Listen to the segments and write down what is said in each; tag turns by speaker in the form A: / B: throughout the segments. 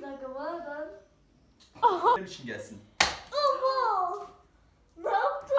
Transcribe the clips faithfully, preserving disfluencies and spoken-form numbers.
A: dakika bana ben.
B: Benim için gelsin.
A: Ama ne yaptın?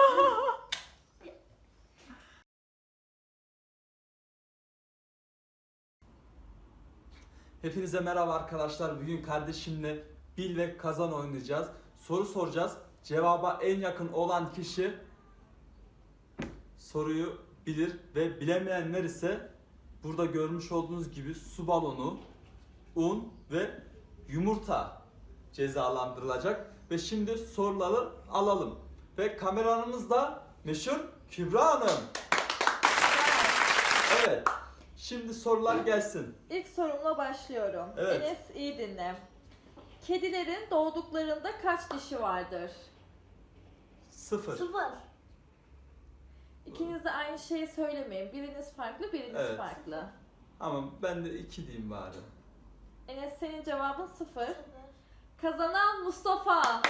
B: Hepinize merhaba arkadaşlar. Bugün kardeşimle bil ve kazan oynayacağız. Soru soracağız. Cevaba en yakın olan kişi soruyu bilir ve bilemeyenler ise burada görmüş olduğunuz gibi su balonu, un ve yumurta cezalandırılacak. Ve şimdi soruları alalım. Ve kameramız da meşhur Kübra Hanım. Evet. Şimdi sorular gelsin.
C: İlk sorumla başlıyorum.
B: Evet.
C: Enes iyi dinle. Kedilerin doğduklarında kaç dişi vardır?
B: Sıfır.
A: Sıfır.
C: İkiniz de aynı şeyi söylemeyin. Biriniz farklı, biriniz
B: Evet.
C: farklı.
B: Ama ben de iki diyeyim bari.
C: Enes senin cevabın sıfır.
A: Sıfır.
C: Kazanan Mustafa.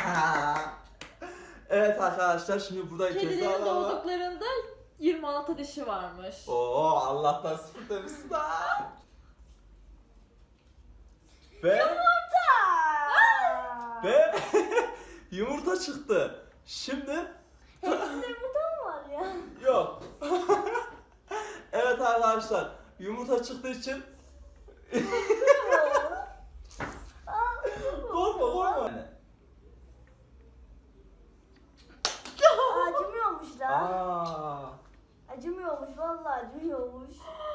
B: Evet arkadaşlar, şimdi burada
C: Kedilerin
B: cezalar var.
C: doğduklarında yirmi altı dişi varmış.
B: Oo, Allah'tan sıfır demişsin ha. Ve
A: Yumurta.
B: ve yumurta çıktı. Şimdi
A: Hepsinde yumurta mı var ya?
B: yok. Evet arkadaşlar, yumurta çıktığı için korkma korkma.
A: Acımıyormuş lan.
B: Aa.
A: Acımıyormuş vallahi acımıyormuş.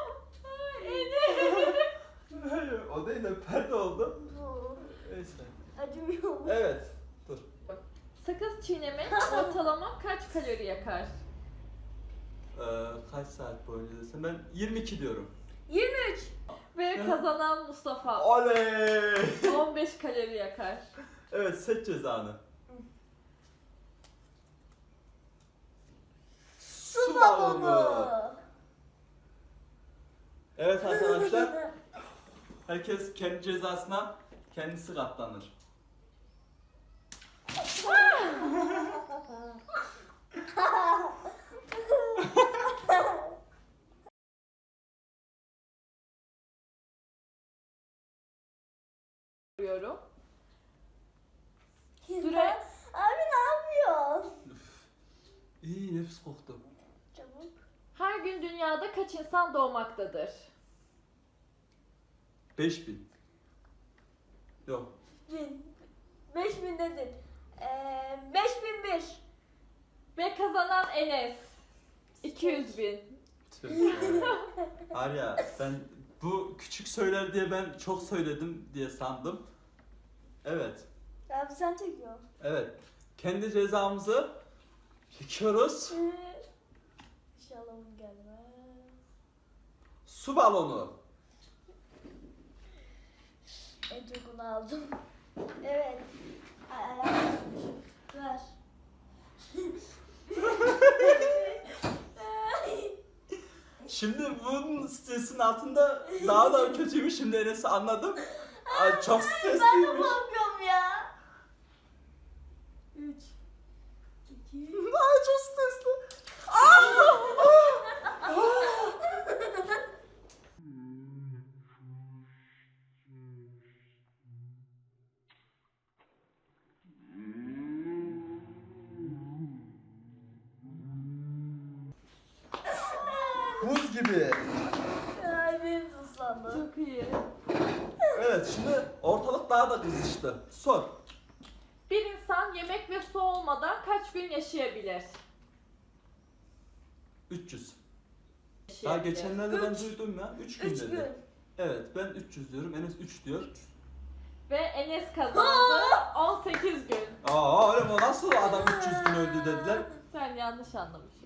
B: Hayır, o değil de perde oldu.
A: Bu.
B: Neyse.
A: Acımıyormuş.
B: Evet. Dur.
C: Sakız çiğnemek ortalama kaç kalori yakar?
B: Ee, kaç saat boyunca desem ben yirmi iki diyorum.
A: yirmi üç.
C: Ve kazanan Mustafa.
B: Oley!
C: on beş kalori yakar.
B: Evet, seç cezanı.
A: Su balonu.
B: Evet arkadaşlar, herkes kendi cezasına kendisi katlanır.
C: Diyorum.
A: Süre. Abi ne yapıyorsun?
B: İyi, nefis koktu.
A: Çabuk.
C: Her gün dünyada kaç insan doğmaktadır?
B: beş bin. Yok.
A: Bin. Beş bin dedin. Ee, beş bin bir.
C: Ve kazanan Enes. iki yüz bin.
B: Var ya, ben bu küçük söyler diye ben çok söyledim diye sandım. Evet.
A: Abi sen çekiyor.
B: Evet. Kendi cezamızı çekiyoruz.
A: İnşallah bunu gelmez.
B: Su balonu.
A: En çok onu aldım. Evet. Ay ayağım düşmüş. Ver.
B: Şimdi bunun stresin altında daha da kötüymüş. Şimdi Enes'i anladım. Ay, çok
A: Ben de
B: stresliymiş.
A: korkuyorum ya. Üç. İki.
B: Ay, çok stresli. Buz gibi.
A: Ay benim de ıslandı.
C: Çok iyi.
B: Evet, şimdi ortalık daha da kızıştı. Sor.
C: Bir insan yemek ve su olmadan kaç gün yaşayabilir?
B: üç yüz. Daha
C: Yaşayabilir.
B: geçenlerde ben
A: Üç.
B: duydum ya. üç gün
A: Üç
B: dedi.
A: gün.
B: Evet, ben üç yüz diyorum. Enes üç diyor.
C: Ve Enes kazandı. on sekiz gün.
B: Aa, öyle mi? Nasıl adam üç yüz gün öldü dediler.
C: Sen yanlış anlamışsın.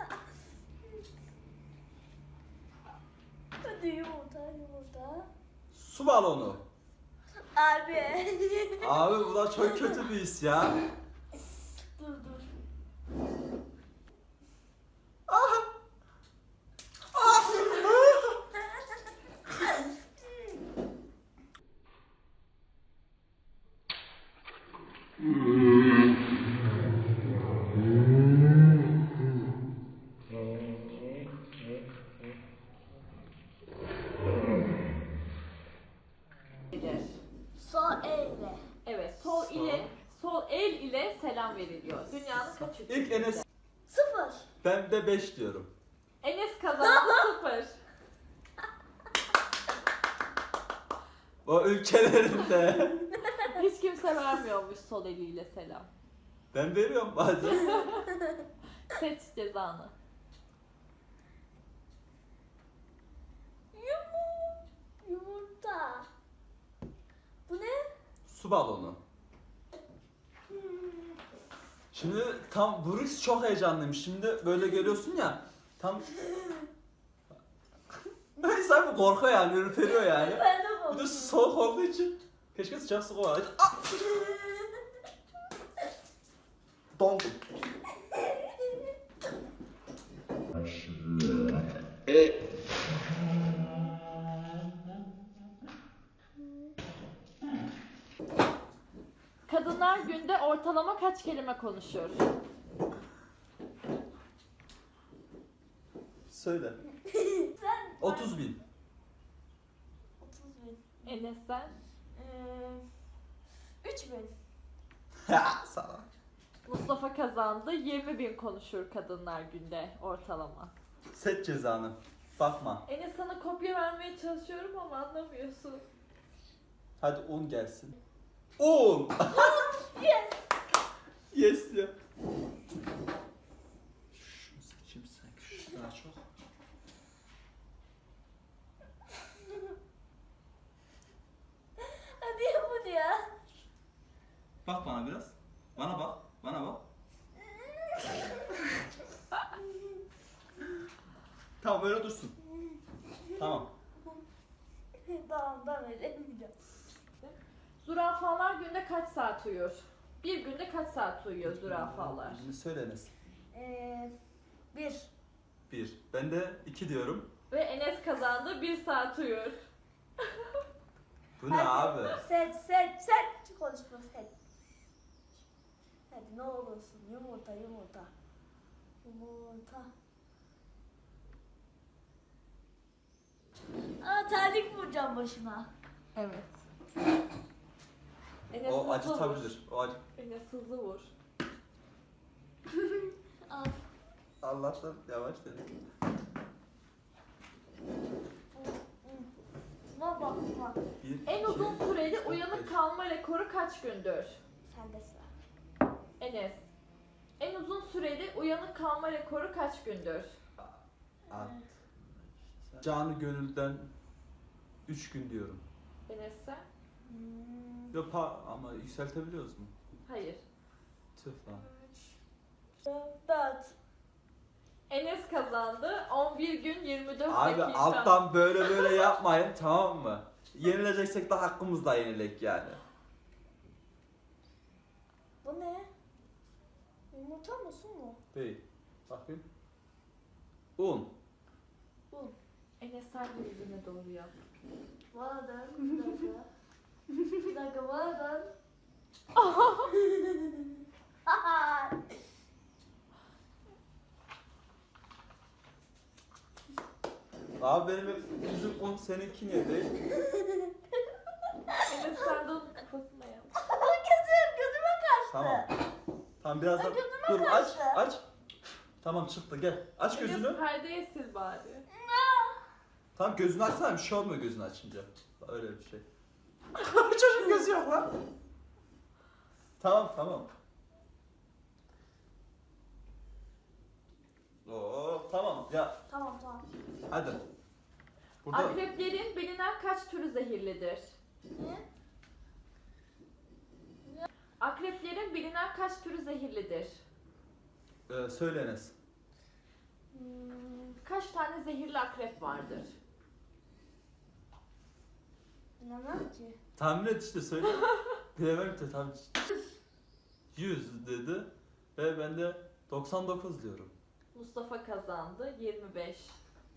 A: Hadi yumurta yumurta.
B: Su balonu.
A: Abi.
B: Abi bu da çok kötü bir his ya.
A: Dur dur.
C: Bilir. ile selam veriliyor. Dünyanın kaç ülkesinde?
B: İlk Enes,
A: Sıfır.
B: ben de beş diyorum.
C: Enes kazandı sıfır.
B: O ülkelerinde.
C: Hiç kimse vermiyormuş sol eliyle selam.
B: Ben veriyorum bazen.
C: Seç cezanı.
A: Yumur. Yumurta. Bu ne?
B: Su balonu. Şimdi tam Bruce çok heyecanlıymış. Şimdi böyle görüyorsun ya. Tam insan bir korkuyor yani, ürperiyor yani.
A: Ben de
B: Bir de
A: bu.
B: su soğuk olduğu için keşke sıcak su koyaydı. Ah! Dondum.
C: Kadınlar günde ortalama kaç kelime konuşur?
B: Söyle.
A: Sen.
B: otuz bin.
A: otuz bin.
C: Enes sen?
A: Ee, üç bin.
B: Ha, sana.
C: Mustafa kazandı. yirmi bin konuşur kadınlar günde ortalama.
B: Seç cezanı. Bakma.
C: Enes sana kopya vermeye çalışıyorum ama anlamıyorsun.
B: Hadi un gelsin. Un!
A: Yes.
B: Yes ya. Şunu seçeyim sanki. Şu daha çok.
A: Hadi yapın ya.
B: Bak bana biraz. Bana bak. Bana bak. Tamam öyle dursun. Tamam.
A: Tamam ben veremeyeceğim.
C: Zürafalar günde kaç saat uyur? Bir günde kaç saat uyuyor zürafalar?
B: Şimdi söyle Enes.
A: Ee, bir.
B: Bir. Ben de iki diyorum.
C: Ve Enes kazandı. Bir saat uyur.
B: Bu ne abi?
A: Seç seç seç. Konuşma seç. Hadi ne olursun. Yumurta yumurta. Yumurta. Aa terlik vuracağım başına.
C: Evet. Enes
B: O
C: hızlı
B: acıtabilir.
C: vur.
B: O acı.
C: Enes hızlı vur.
A: Al.
B: Allah'tan yavaş dedim.
A: Bak bak bak.
B: Bir,
C: En
B: iki,
C: uzun süreli
B: dört,
C: uyanık
B: beş.
C: kalma rekoru kaç gündür?
A: Sende sıra.
C: Enes. En uzun süreli uyanık kalma rekoru kaç gündür?
B: At. Canı gönülden üç gün diyorum.
C: Enes sen?
A: Hmm.
B: Yok ha, ama yükseltebiliyoruz mu?
C: Hayır.
B: Tüh lan.
A: Dört.
C: Enes kazandı. on bir gün yirmi dört
B: Abi
C: dakika.
B: alttan böyle böyle yapmayın, tamam mı? Yenileceksek de hakkımızla yenilek yani.
A: Bu ne? Yumurta mı su mu?
B: Değil. Bakayım. Un.
A: Un.
C: Enes sen de yüzüne doğru yap.
A: Bana dön. Bir dakika. Bir dakika bana dön.
B: Abi benim hep yüzüm un, seninki niye değil?
C: Enes sen de onun kafasına yap.
A: Gözüm gözüme kaçtı.
B: Tamam. Tamam biraz da
A: Ay, gözüme
B: dur aç
A: kaçtı.
B: aç. Tamam çıktı gel. Aç gözünü.
C: Enes perdeye sil bari.
B: Tamam gözünü açsana, bir şey olmuyor gözünü açınca. Öyle bir şey. Çocuğun gözü yok lan. Tamam tamam. Oo tamam ya
A: Tamam tamam.
B: hadi. Burada
C: Akreplerin bilinen kaç türü zehirlidir?
A: Ne?
C: Akreplerin bilinen kaç türü zehirlidir?
B: e, söyle Enes.
A: Hmm,
C: Kaç tane zehirli akrep vardır?
A: bilemem ki.
B: Tahmin et işte söyle. Bilemem ki tam yüz dedi ve ben de doksan dokuz diyorum.
C: Mustafa kazandı. yirmi beş.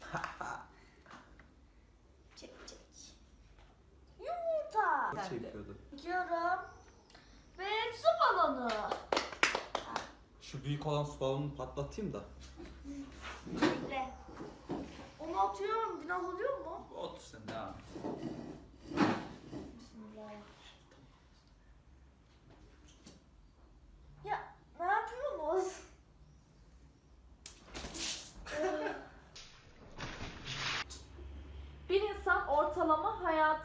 A: Çek çek. Yumurta.
C: Ben de.
B: Çekiyordu.
A: Çekiyorum. Ve su balonu.
B: Şu büyük olan su balonunu patlatayım da.
A: Bekle. Onu atıyorum. Günah oluyor mu?
B: Otur sen devam et.
A: Bismillah.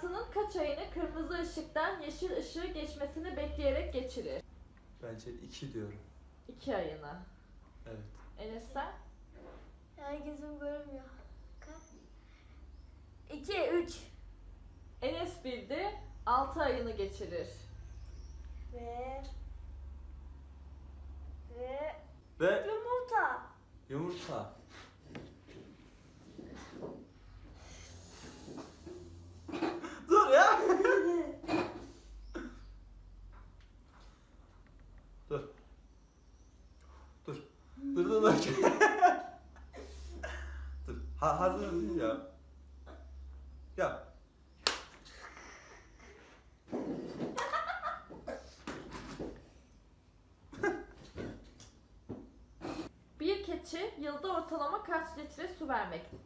C: hayatının kaç ayını kırmızı ışıktan yeşil ışığı geçmesini bekleyerek geçirir?
B: Bence iki diyorum.
C: iki ayını.
B: Evet.
C: Enes sen?
A: Herkesin görmüyor. Kaç? İki, üç.
C: Enes bildi. altı ayını geçirir.
A: Ve... Ve...
B: Ve
A: Yumurta.
B: yumurta. Dur ya. Dur. Dur. Dur dur dur. Dur. Ha, hazır mısın ya? Ya.
C: Bir keçi yılda ortalama kaç litre su vermektedir?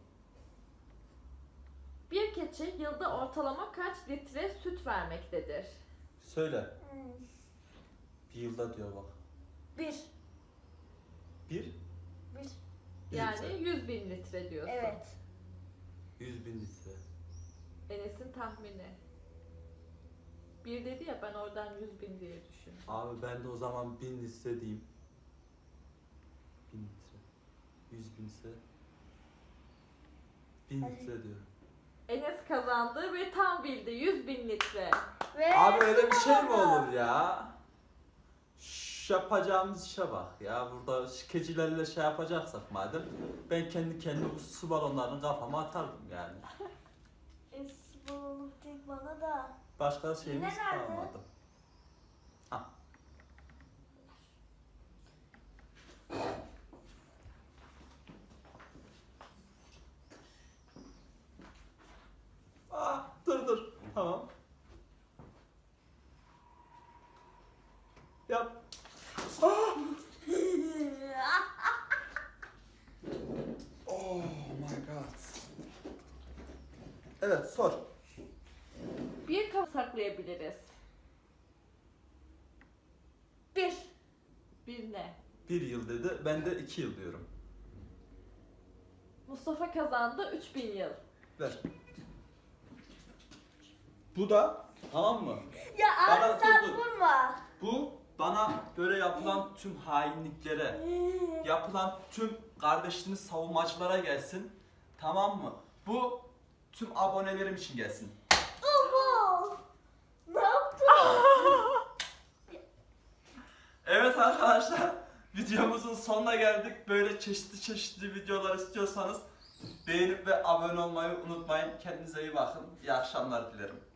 C: Bir keçi yılda ortalama kaç litre süt vermektedir?
B: Söyle.
A: Hmm.
B: Bir yılda diyor bak.
A: Bir.
B: Bir.
A: Bir.
B: Bir
C: Yani
B: litre.
C: yüz bin litre diyorsun.
A: Evet.
B: Yüz bin litre.
C: Enes'in tahmini. Bir dedi ya, ben oradan yüz bin diye düşündüm.
B: Abi ben de o zaman bin litre diyeyim. Bin litre. Yüz bin ise. Bin
A: Hadi.
B: litre diyorum.
C: Enes kazandı ve tam bildi, yüz bin litre.
A: Ve
B: Abi öyle bir şey mi
A: sonunda-
B: olur ya? Şş, yapacağımız işe bak ya. Burada şikecilerle şey yapacaksak madem, ben kendi kendime bu su balonlarını kafama atardım yani.
A: Es bulunup tek bana da.
B: Başka şeyimiz
A: Yine nerede?
B: kalmadı. Ha. Ah, dur dur. Tamam. Yap. Ah! Oh my god. Evet, sor.
C: Bir kap saklayabiliriz.
A: Bir.
C: Bir ne?
B: Bir yıl dedi, ben de iki yıl diyorum.
C: Mustafa kazandı, üç bin yıl.
B: Ver. Bu da, tamam mı?
A: Ya
B: Bana
A: abi sen
B: dur, dur.
A: vurma.
B: Bu bana böyle yapılan tüm hainliklere, yapılan tüm kardeşliğini savunmacılara gelsin. Tamam mı? Bu tüm abonelerim için gelsin.
A: Oho. Ne yaptın?
B: Evet arkadaşlar, videomuzun sonuna geldik. Böyle çeşitli çeşitli videolar istiyorsanız beğenip ve abone olmayı unutmayın. Kendinize iyi bakın. İyi akşamlar dilerim.